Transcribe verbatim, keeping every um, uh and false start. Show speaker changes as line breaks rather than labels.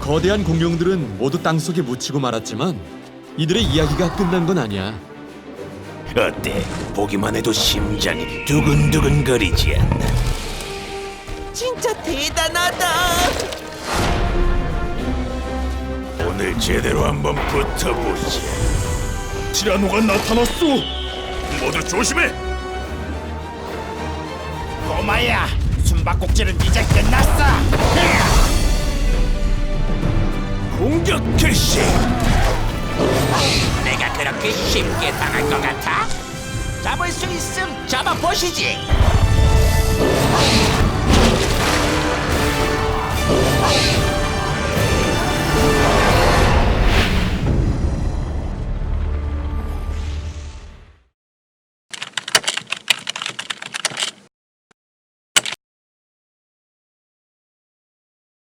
거대한 공룡들은 모두 땅속에 묻히고 말았지만 이들의 이야기가 끝난 건 아니야.
어때? 보기만 해도 심장이 두근두근거리지 않나?
진짜 대단하다.
오늘 제대로 한번 붙어보지.
티라노가 나타났어. 모두 조심해.
꼬마야, 숨바꼭질은 이제 끝났어. 공격 개시.
내가 그렇게 쉽게 당할 것 같아? 잡을 수 있음 잡아보시지.